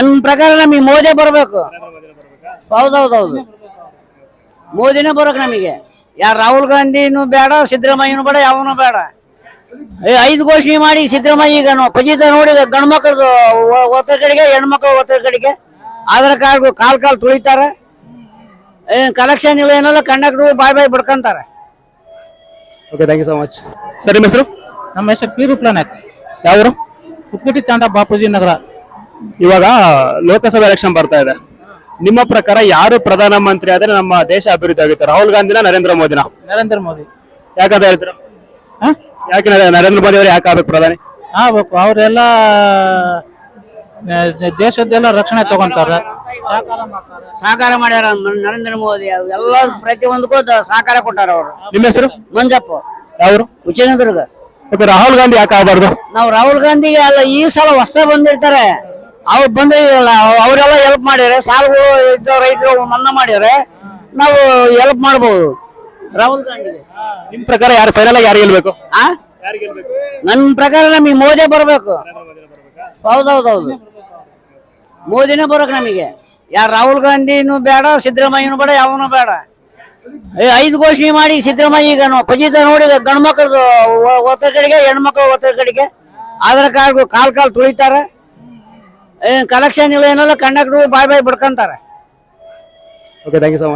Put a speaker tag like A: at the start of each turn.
A: ನನ್ನ ಪ್ರಕಾರ ನಮಗೆ ಮೋದಿ ಬರಬೇಕು. ಹೌದೌದೌದು, ಮೋದಿನೇ ಬರೋಕ್ ನಮಗೆ. ಯಾರು ರಾಹುಲ್ ಗಾಂಧಿನೂ ಬೇಡ, ಸಿದ್ದರಾಮಯ್ಯನೂ ಬೇಡ, ಯಾವನು ಬೇಡ. 5 ಘೋಷಣೆ ಮಾಡಿ ಸಿದ್ದರಾಮಯ್ಯ ಈಗ ಫಜಿತ ನೋಡಿ ಗಂಡು ಮಕ್ಕಳದು ಒತ್ತರ ಕಡೆಗೆ, ಹೆಣ್ಮಕ್ಳು ಒತ್ತರ ಕಡೆಗೆ ಆಧಾರ್ ಕಾರ್ಡ್ ಕಾಲ್ ತುಳಿತಾರೆ. ಕಲೆಕ್ಷನ್ ಇಲ್ಲ ಏನಲ್ಲ, ಕಂಡಕ್ಟ್ರು ಬಾಯ್ ಬಿಡ್ಕೊಂತಾರೆ.
B: Okay, thank you so much. Sir, ನಿಮ್ಮ ಹೆಸರು?
C: ನಮ್ಮ ಹೆಸರು ಪಿ ರೂಪ್ಲನಾಥ್,
B: ಯಾವರು?
C: ಕುತ್ಕಟ್ಟಿ ತಾಂಡ, ಬಾಪೂಜಿ ನಗರ.
B: ಇವಾಗ ಲೋಕಸಭಾ ಎಲೆಕ್ಷನ್ ಬರ್ತಾ ಇದೆ. ನಿಮ್ಮ ಪ್ರಕಾರ ಯಾರು ಪ್ರಧಾನಮಂತ್ರಿ ಆದ್ರೆ ನಮ್ಮ ದೇಶ ಅಭಿವೃದ್ಧಿ ಆಗುತ್ತೆ? ರಾಹುಲ್ ಗಾಂಧಿನ, ನರೇಂದ್ರ ಮೋದಿನ?
C: ನರೇಂದ್ರ ಮೋದಿ.
B: ಯಾಕಂತ ಹೇಳ್ತೀರಾ? ಯಾಕೆ ನರೇಂದ್ರ ಮೋದಿ ಅವರು ಯಾಕೆ ಆಗ್ಬೇಕು ಪ್ರಧಾನಿ?
C: ಆಗ್ಬೇಕು. ಅವರೆಲ್ಲ ದೇಶದ್ದೆಲ್ಲ ರಕ್ಷಣೆ ತಗೊಂತಾರೆ,
A: ಸಹಕಾರ ಮಾಡ್ಯಾರ. ನರೇಂದ್ರ ಮೋದಿ ಎಲ್ಲ ಪ್ರತಿಯೊಂದಕ್ಕೂ ಸಹಕಾರ ಕೊಟ್ಟಾರ ಅವರು.
B: ನಿಮ್ಮ ಹೆಸರು?
A: ಮಂಜಪ್ಪ,
B: ಯಾವರು?
A: ವಿಜಯನಗರ.
B: ಓಕೆ, ರಾಹುಲ್ ಗಾಂಧಿ ಯಾಕೆ ಆಗಬಾರ್ದು?
A: ನಾವು ರಾಹುಲ್ ಗಾಂಧಿಗೆ ಅಲ್ಲ, ಈ ಸಲ ಹೊಸ ಬಂದಿರ್ತಾರೆ, ಅವ್ರು ಬಂದ್ರೆ ಅವರೆಲ್ಲ ಹೆಲ್ಪ್ ಮಾಡ್ಯಾರ. ಸಾಲಗಳು ಇದ್ದ ರೈತರು ಮನ್ನಾ ಮಾಡ್ಯಾರ. ನಾವು ಹೆಲ್ಪ್ ಮಾಡ್ಬೋದು ರಾಹುಲ್ ಗಾಂಧಿಗೆ.
B: ನಿಮ್ ಪ್ರಕಾರ ಯಾರು ಫೈನಲ್ ಆಗಿ ಯಾರು ಗೆಲ್ಬೇಕು?
A: ನನ್ನ ಪ್ರಕಾರ ನಮಗೆ ಮೋದಿ ಬರಬೇಕು. ಹೌದೌದೌದು, ಮೋದಿನೇ ಬರೋಕ್ ನಮಗೆ. ಯಾರು ರಾಹುಲ್ ಗಾಂಧಿನೂ ಬೇಡ, ಸಿದ್ದರಾಮಯ್ಯನೂ ಬೇಡ, ಯಾವನು ಬೇಡ. 5 ಘೋಷಣೆ ಮಾಡಿ ಸಿದ್ದರಾಮಯ್ಯ ಈಗ ಫಜಿತ ನೋಡಿ ಗಂಡು ಮಕ್ಕಳದು ಒತ್ತರ ಕಡೆಗೆ, ಹೆಣ್ಮಕ್ಳು ಒತ್ತರ ಕಡೆಗೆ ಆಧಾರ್ ಕಾರ್ಡ್ ಕಾಲ್ ತುಳಿತಾರೆ. ಕಲೆಕ್ಷನ್ ಇಲ್ಲ ಏನಲ್ಲ, ಕಂಡಕ್ಟ್ರು ಬಾಯ್ ಬಿಡ್ಕೊಂತಾರೆ.
B: Okay, thank you so much.